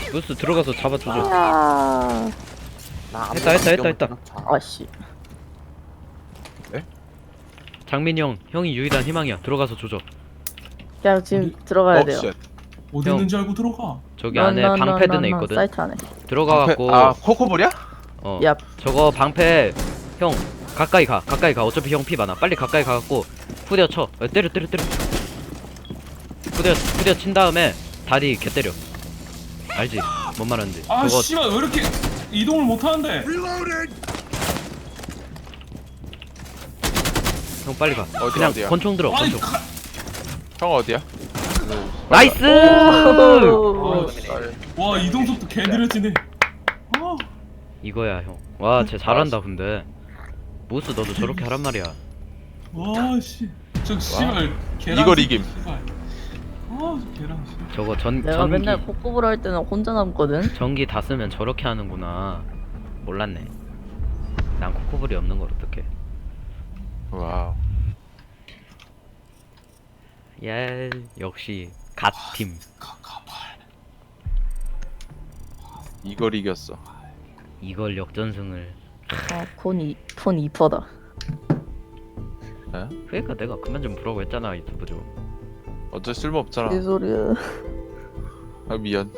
무스 들어가서 잡아주죠. 야. 했다. 아씨. 장민이 형이 유일한 희망이야. 들어가서 조져. 야 지금 들어가야 돼요. 쉣. 어디 형. 있는지 알고 들어가. 저기 안에 방패든 애 있거든. 사이트 안에. 들어가갖고 아 코코볼이야? 야. 저거 방패 형 가까이 가. 어차피 형 피 많아. 빨리 가까이 가갖고 후려 쳐. 때려. 후려 친 다음에 다리 개 때려. 알지? 뭔 말하는지. 아 저거 씨발 왜 이렇게 이동을 못 하는데? 형 빨리 가. 어디야, 그냥 어디야? 권총 들어. 아니 권총. 형 어디야? 나이스! 오. 와 이동 속도 개 느려지네. 아, 이거야 형. 와, 쟤 잘한다 근데. 모스 너도 저렇게 하란 말이야. 와 씨. 저 씨발 계란. 이걸 이김. 씨발. 아, 저 계란 씨. 저거 내가 맨날 코코볼 할 때는 혼자 남거든. 전기 다 쓰면 저렇게 하는구나. 몰랐네. 난 코코볼이 없는 걸 어떡해. 와우. 예, 역시 갓팀. 이걸 이겼어. 이걸 역전승을. 폰 2%다. 에? 그러니까 내가 그만 좀 보라고 했잖아 유튜브 좀. 어쩔 쓸모 없잖아. 이 소리야. 아 미안.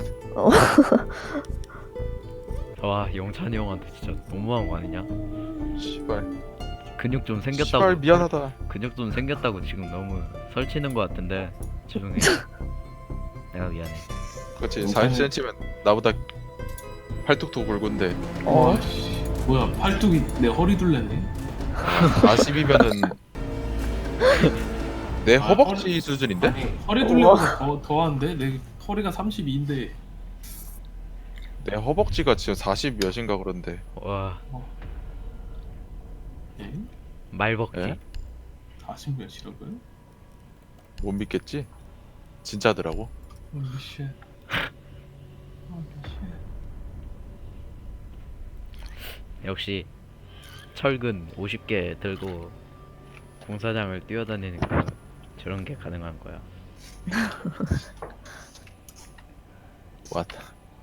와, 영찬이 형한테 진짜 너무한 거 아니냐? 씨발. 근육 좀 생겼다고. 씨발 미안하다. 근육 좀 생겼다고 지금 너무 설치는 거 같은데 죄송해. 내가 미안해. 그렇지. 40cm면 나보다 팔뚝도 굵은데 와 씨. 뭐야 팔뚝이 내 허리 둘레네. 40이면은 내 아, 허벅지 수준인데? 아니, 허리 둘레보다 더한데 내 허리가 32인데. 내 허벅지가 지금 40 몇인가 그런데. 와, 예? 말벅지. 예? 40 몇이라고요? 못 믿겠지? 진짜더라고. 쉣. 역시 철근 50개 들고 공사장을 뛰어다니니까 저런 게 가능한 거야. 왔다.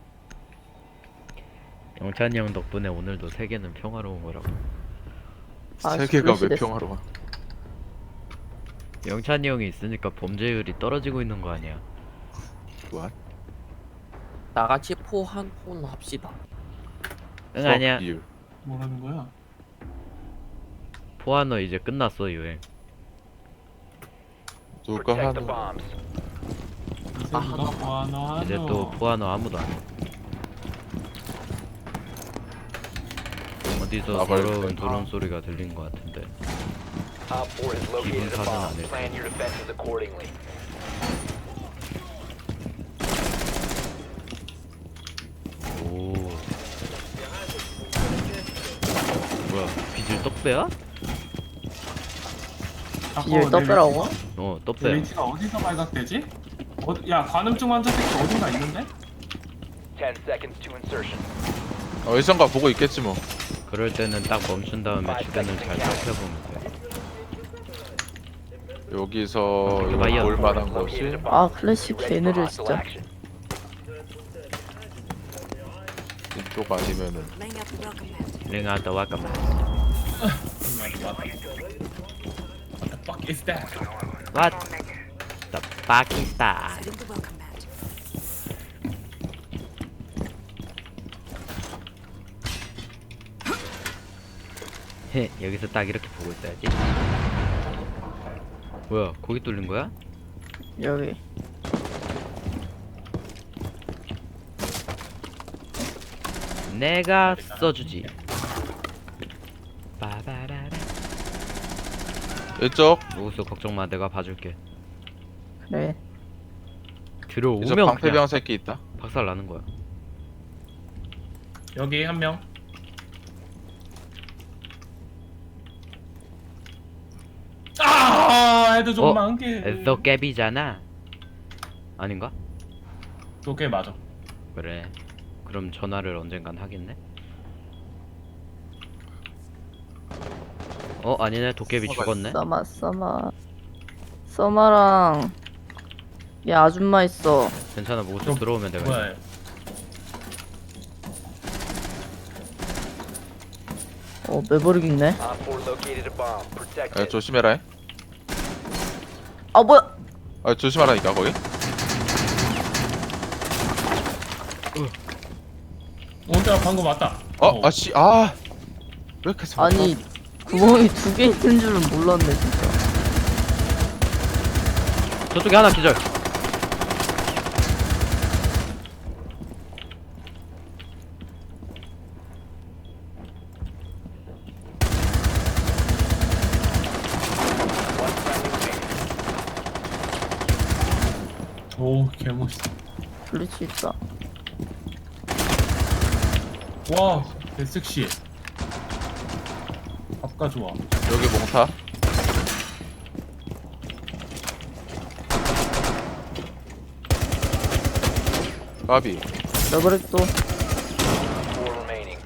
영찬이 형 덕분에 오늘도 세계는 평화로운 거라고. 아, 세계가 왜 슬래시 평화로워? 영찬이 형이 있으니까 범죄율이 떨어지고 있는 거 아니야? What? 나같이 포한 폰 합시다. 응, 아니야. Fuck you. 뭐라는 거야? 포아너 이제 끝났어 유행. 누가 하는 누가 보아나 이제 또 포아너 아무도 안 해. 어디서 나발 더러운 때. 드론 소리가 들린 것 같은데. Op 4 has located a 사진 bomb. 안 해. Plan your defenses accordingly. 오. 뭐야? 비질 떡배야? 비율 떴더라고. 어, 떡배야. 레이지가 어디서 발각되지? 야 관음증 환자 새끼 어딘가 있는데? 10 seconds to insertion. 어디선가 보고 있겠지 뭐. 그럴 때는 딱 멈춘 다음에 주변을 잘 살펴보면 돼. 여기서 마이어. 볼 만한 Located a 곳이 bomb. 아 클래식 Be ready 개 for 느려 hostile 진짜. action. 이쪽 아니면은 Laying out the welcome mat. 링아다 와까. What the fuck is that? What? The Pakistan. Setting the welcome mat. 헤, 여기서 딱 이렇게 보고 있어야지. 뭐야? 거기 뚫린 거야? 여기. 내가 써주지. 빠바라라. 이쪽 로우스 걱정 마, 내가 봐줄게. 그래. 이쪽 들어오면 그냥 방패병 새끼 있다. 박살 나는 거야. 여기 한 명. 아, 애들 좀 어? 많게. 에서 갭이잖아. 아닌가? 저게 맞아. 그래. 그럼 전화를 언젠간 하겠네. 어, 아니네. 도깨비 죽었네. 써마랑 얘 아줌마 있어. 괜찮아. 모두 저 들어오면 내가. 뭐야? 매버릭 있네. Op 4 located a bomb. Protect 야, it. 조심해라. 아, 뭐야? 아, 조심하라니까 거기. 야 방금 왔다. 아씨, 아. 왜 이렇게 잘 아니, 구멍이 2개 있는 줄은 몰랐네, 진짜. 저쪽에 하나 기절. One friendly remaining. 오 개멋있어. 블리치 있다. 와 개섹시해. 밥가 좋아. 여기 몽타. 까비. 매버릭도. 4 remaining.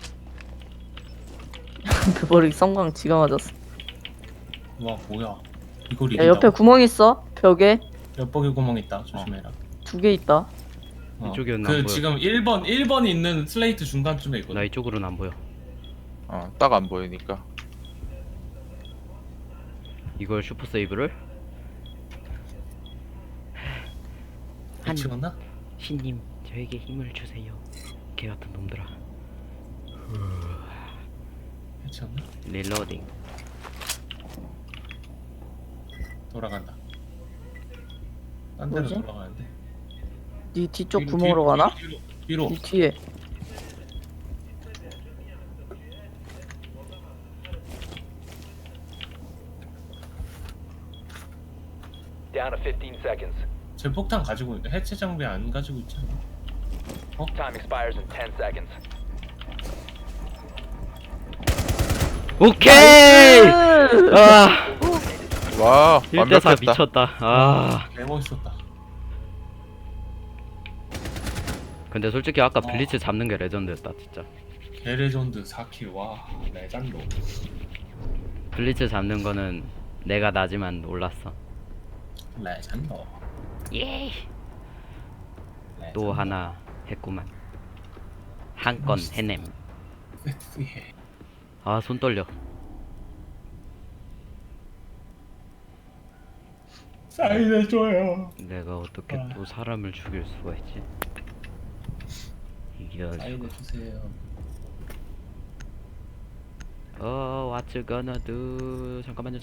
매버릭 성광 지가 맞았어. 와 뭐야? 이걸 야, 옆에 구멍 있어. 벽에. 옆벽에 구멍 있다. 조심해라. 2개 있다. 이쪽이었나 안 그 보여. 지금 1번이 있는 슬레이트 중간쯤에 있거든. 나 이쪽으로는 안 보여. 딱 안 보이니까. 이걸 슈퍼 세이브를? 미치겠나? 신님, 저에게 힘을 주세요. 개 같은 놈들아. 미치겠나? 릴로딩. 돌아간다. 딴 데로 뭐지? 돌아가는데. 네 뒤쪽 뒤로, 구멍으로 가나? 뒤로. 네 뒤에. Down to 15 seconds. 제 폭탄 가지고 있는데 해체 장비 안 가지고 있지 않아? Time expires in 10 seconds. 오케이! 아, 와, 1대4 완벽했다. 미쳤다. 아. 개 멋있었다. 근데 솔직히 아까 블리츠 잡는 게 레전드였다, 진짜. 개레전드 4킬 와 레전드. 블리츠 잡는 거는 내가 나지만 올랐어. 레전드. 예. 또 하나 했구만. 한 건 해냄. 섹시해. 아, 손 떨려. 사인해줘요. 내가 어떻게 아. 또 사람을 죽일 수가 있지? 이럴 수가. 사인해주세요. What you gonna do? 잠깐만요.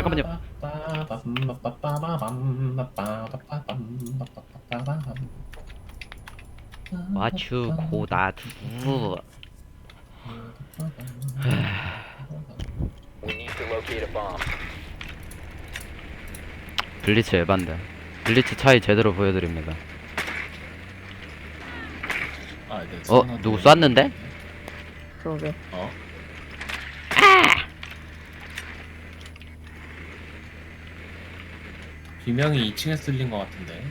What you gonna do? We need to locate a bomb. 블리츠 에반데. 블리츠 차이 제대로 보여드립니다. 누구 쐈는데? 그러게. 비명이 2층에 쓸린 것 같은데.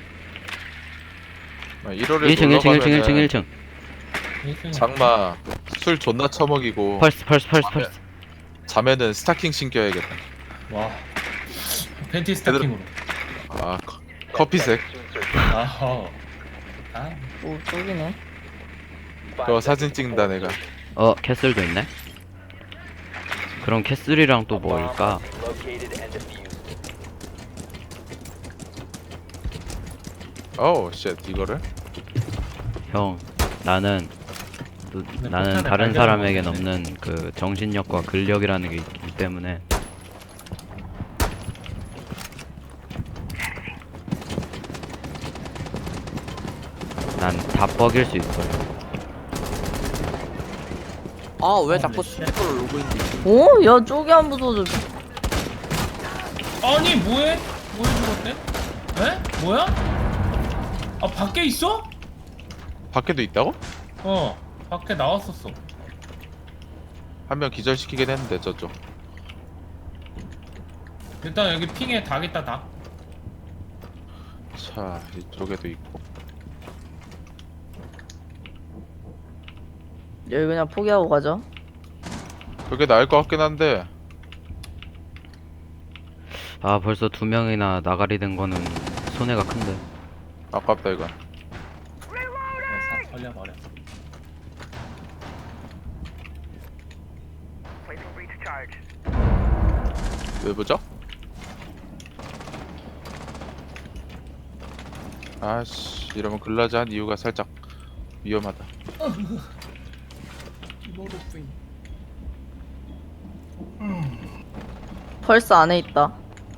1월에 1층. 장마 술 존나 처먹이고 펄스. 자면은 스타킹 신겨야겠다. 와 팬티 스타킹으로. 아, 커피색. To insertion. 아하. 아 오, 저기네. 그거 사진 찍는다 내가. 캐슬도 있네. 그럼 캐슬이랑 또 뭘까? Located and defused. 어우 쉣 이거를? 형, 나는 폭탄을 다른 발견한 사람에겐 거네. 없는 그 정신력과 근력이라는 게 있기 때문에 난 다 뻐길 수 있어요. 아 왜 자꾸 스피커를 누르고 있는지. 오, 야, 쪽이 안 부서져. 아니 뭐해? 뭐해 죽었대? 에? 뭐야? 아 밖에 있어? 밖에도 있다고? 밖에 나왔었어. 한 명 기절시키긴 했는데 저쪽. 일단 여기 핑에 닭 있다 닭. 자 이쪽에도 있고. 여기 그냥 포기하고 가죠. 그게 나을 것 같긴 한데. 아, 벌써 2명이나 나가리 된 거는 손해가 큰데. 아깝다 이건. 싹 털려버려. 왜 보죠? 아씨 이러면 글라즈 한 이유가 살짝 위험하다. 펄스 안에 있다.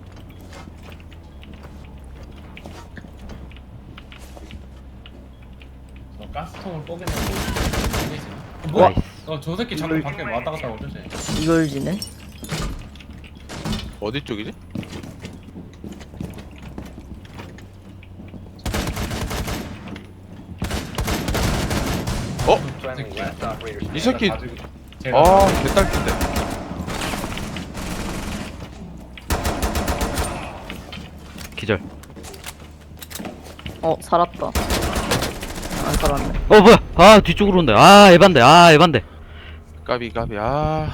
저 가스통을 뽀개내고 되지. 뭐야? 나이스. 저 새끼 자꾸 밖에 왔다 갔다 오죠 쟤. 이걸 지네. 어디 쪽이지? Friendly last operator 이 standing. 새끼 제가 아 개딸핀데. 기절. 살았다. 안 살았네. 뭐야? 아 뒤쪽으로 온다. 아 에반데. 아 에반데. 까비 아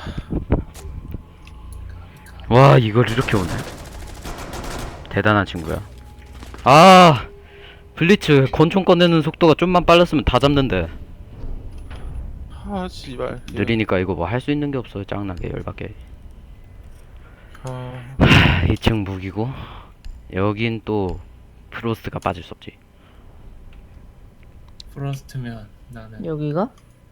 와 이걸 이렇게 오네. 대단한 친구야. 아 블리츠 권총 꺼내는 속도가 좀만 빨랐으면 다 잡는데 아 씨발. 느리니까 이거 뭐 할 수 있는 게 없어. 짱나게 열받게. 아, 2층 무기고 여긴 또 프로스트가 빠질 수 없지. 프로스트면 나는 여기가?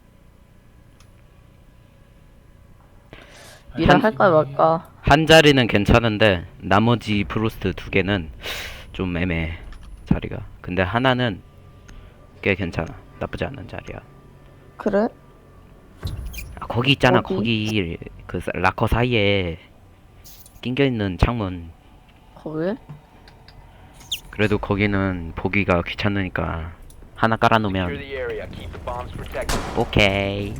미라 할까 말까? 한 자리는 괜찮은데 나머지 프로스트 2개는 좀 애매해 자리가. 근데 하나는 꽤 괜찮아. 나쁘지 않은 자리야. 그래? 아, 거기 있잖아. 어디? 거기 그 락커 사이에 낑겨있는 창문. 거기? 그래도 거기는 보기가 귀찮으니까 하나 Secure 깔아놓으면 the area. Keep the bombs protected. 오케이.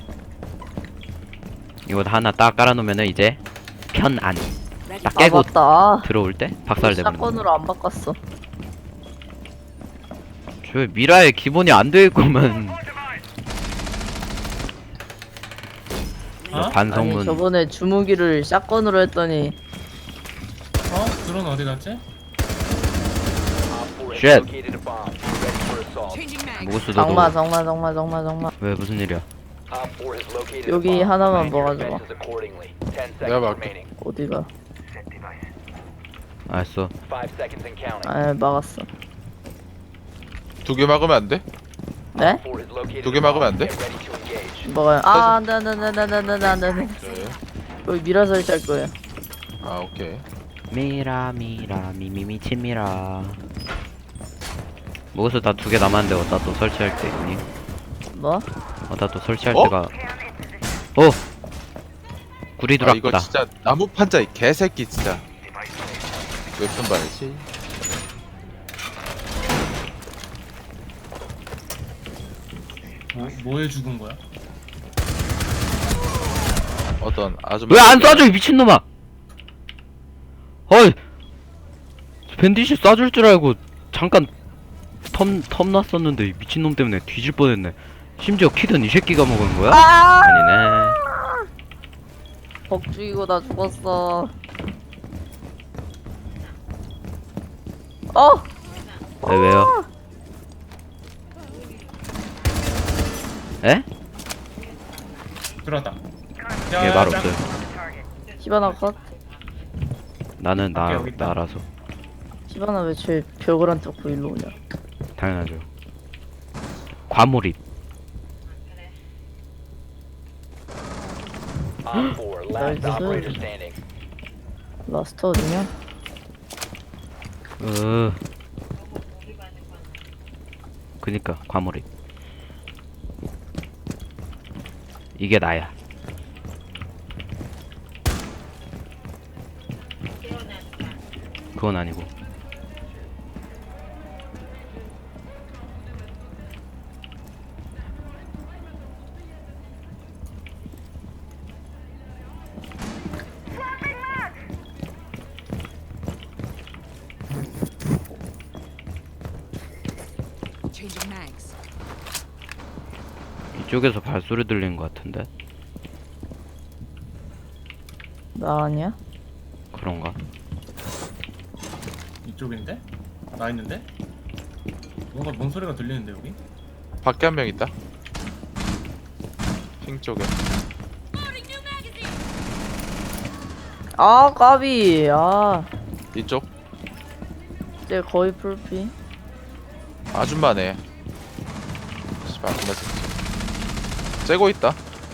이거 하나 딱 깔아놓으면은 이제 편안. Ready. 딱 깨고 맞다. 들어올 때 박살내버리는 거. 샷건으로 안 바꿨어. 저 미라의 기본이 안 돼 있구만. 어? 반성문. 아니 저번에 주무기를 샷건으로 했더니 드론 어디 갔지? Op 4 has Shit. located a bomb. Ready for assault. Changing mag. 무구스 정말 왜 무슨 일이야? Op 4 has located 여기 a bomb. 하나만 Plan your 먹어줘. defenses accordingly. 10 내가 seconds 막을게. remaining. 어디가? 알았어. 5 seconds and counting. 아 막았어. 2개 막으면 안 돼? 네? 4 has located 두개 a bomb. 막으면 안 돼? Get ready to engage. 뭐가요? 안돼. 네. 여기 미라 설치할 거예요. 아 오케이. 미라 미미 치미라. 무구스 다 2개 남았는데 어디다 또 설치할 때 있니? 뭐? 어디다 또 설치할 어? 때가. 구리 아 이거 두락보다. 진짜 나무 판자 이 개새끼 진짜. 웹툰 봐야지. 뭐에 죽은 거야? 어떤 아줌마. 왜 안 쏴줘 이 미친놈아! 어이! 밴디시 쏴줄 줄 알고 잠깐 텀 났었는데 이 미친놈 때문에 뒤질 뻔했네. 심지어 키든 이 새끼가 먹은 거야? 아니네. 벅 죽이고 나 죽었어. 왜요? 에? 들어왔다. 얘 말 없어요. 히바나 컷. 나는 여기 있다. 나라서 히바나 왜 제 벽을 안 뚫고 일로 오냐? 당연하죠. 과몰입. Op 4, last Nice. operator standing. 라스트 어디냐? 그니까 과몰입. 이게 나야. 그건 아니고. Changing mags. 이쪽에서 발소리 들리는 것 같은데. 나 아니야? 그런가? 이쪽인데? 나 있는데? 뭔가 뭔 소리가 들리는데 여기? 밖에 한 명 있다. 핑 쪽에. 아 까비. 아 이쪽 이제 거의 풀피. 아줌마네. 씨발 아줌마 새끼. 째고 있다.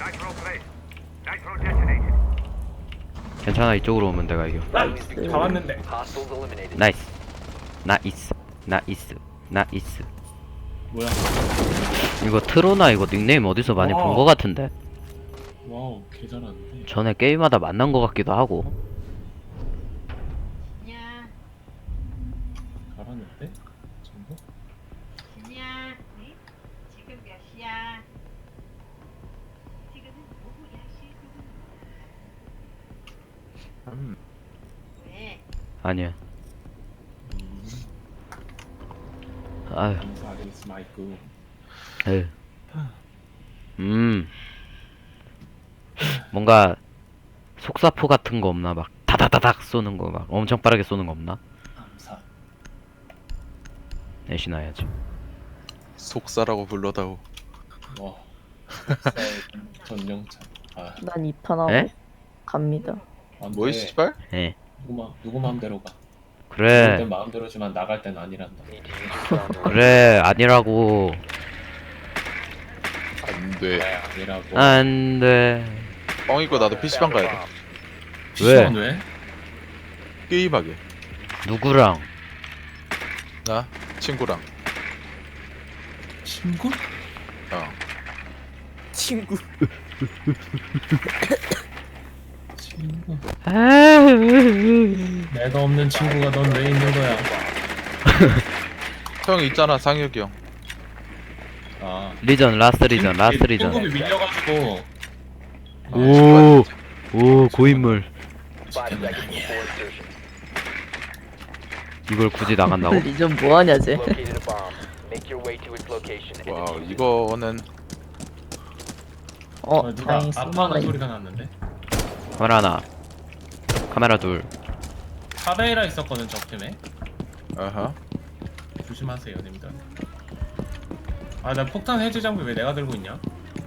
괜찮아, 이쪽으로 오면 내가 이겨. 다 왔는데. Hostiles eliminated. 나이스. 나이스. 나이스. 나이스. 뭐야? 이거 트로나 이거 닉네임 어디서 많이 와. 본 거 같은데? 와우, 개 잘하는데. 전에 게임하다 만난 거 같기도 하고. 야, 잘하는데? 전부? 진이야, 응? 지금 몇 시야? 지금은 오후 10시 9분. 왜? 아니야. 아유, 감사하겠습니다, 마이크. 에휴. 뭔가 속사포 같은 거 없나? 막 다다다닥 쏘는 거 막 엄청 빠르게 쏘는 거 없나? 감사. 내신해야지. 속사라고 불러다오. 와. 전용차. 아, 난 2판 하고 에? 갑니다. 안 돼. 뭐이 씨발? 예. 누구 마음대로 가. 그래. 내 마음대로지만 나갈 땐 아니란다. Need to use your drone to 그래 아니라고. 안돼. 아니라고. 안돼. 뻥이고 나도 PC방 가야 돼. PC방 왜? 게임하게. 누구랑? 나 친구랑. 친구? 어. 친구. 친구. 에휴. 내가 없는 친구가 넌 왜 있는 거야? 형 있잖아 상혁이 형. 아. 리전 라스트 리전 라스트 리전. 친구비 밀려가지고. 오. 오 고인물. 5 seconds before insertion. 이걸 굳이 나간다고? 리전 뭐하냐 쟤. Located a bomb. Make your way to its location and 와우 defuse it. 이거는 누가 다행히 아빠는 스마가 소리가 났는데? 카메라 하나. 카메라 둘. 카베이라 있었거든 저 팀에. 아하. 조심하세요 님들. 아 나 폭탄 해제 장비 왜 내가 들고 있냐?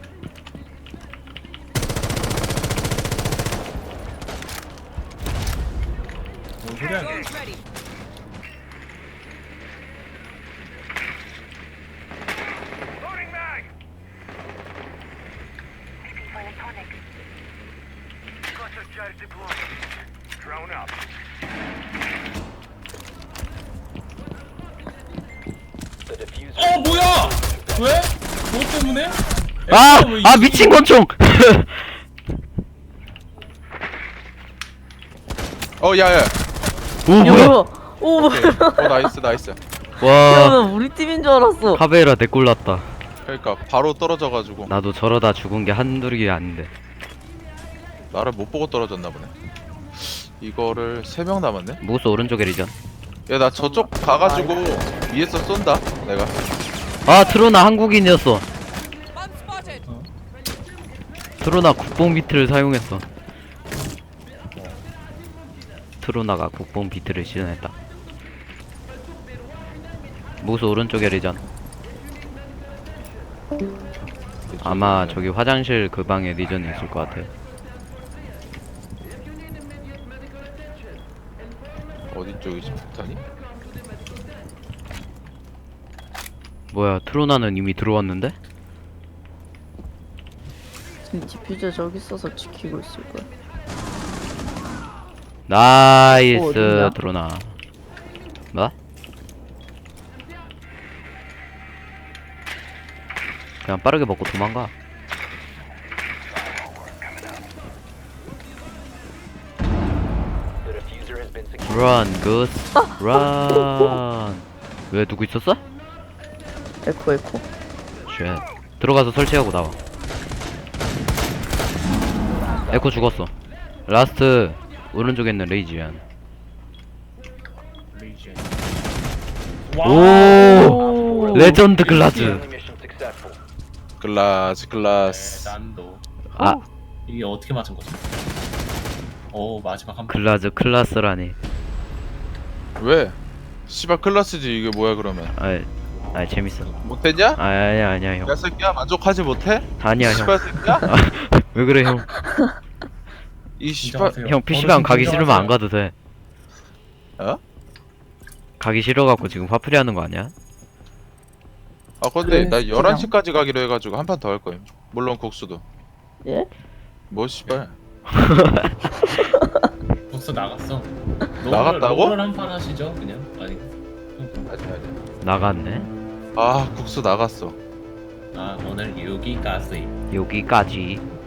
뭔 소리야 이게. The diffuser. 어 뭐야? 왜? 뭐 때문에? 아! 왜 아 이- 미친 권총! 어 야야. 오 뭐야? 오 오케이. 나이스 나이스. 와 야, 우리 팀인 줄 알았어. 카베라 내꼴 났다. 그러니까 바로 떨어져가지고 나도 저러다 죽은 게 한둘이 아닌데. 나를 못 보고 떨어졌나 보네. 이거를 3명 남았네. 무스 오른쪽에 리전. 야 나 저쪽 가가지고 위에서 쏜다. 내가. 아 트로나 한국인이었어. 트로나 국뽕 비트를 사용했어. 트로나가 국뽕 비트를 시전했다. 무스 오른쪽에 리전. 아마 저기 화장실 그 방에 리전이 있을 것 같아. 어디 쪽이지 폭탄이? 뭐야 트로나는 이미 들어왔는데? 지금 디퓨저 저기 있어서 지키고 있을 거야. 나이스 어딨냐? 트로나. 뭐? 그냥 빠르게 먹고 도망가. The diffuser has been secured. Run, goose, run. 왜 누구 있었어? 에코 에코. 쉣. 들어가서 설치하고 나와. 에코 죽었어. 라스트 오른쪽에 있는 레이지안. 레이지. 오, 레전드 글라즈. Friendly mission successful. 글라스. 난도. 아, 이게 어떻게 맞은 거지? 오 마지막 한 번. 글라즈 클라스라니. 왜? 씨발 클라스지 이게 뭐야 그러면? 아, 재밌어. 못했냐? 아니야 형. 야 새끼야 만족하지 못해? 아니야 형. 씨발 새끼야? 왜 그래 형? 이 씨발 인정하세요. 형 PC방 가기 어르신 싫으면 안 인정하세요. 가도 돼. 어? 가기 싫어갖고 지금 화풀이 하는 거 아니야? 아 근데 나 그래, 11시까지 가기로 해가지고 한 판 더 할 거임. 물론 국수도. 예? 뭐 씨발. 벌써 나갔어. 나갔다고? 롤을 한판 하시죠 그냥. 아니. 아니. 나갔네. 아 국수 나갔어. 아 오늘 여기까지. 여기까지.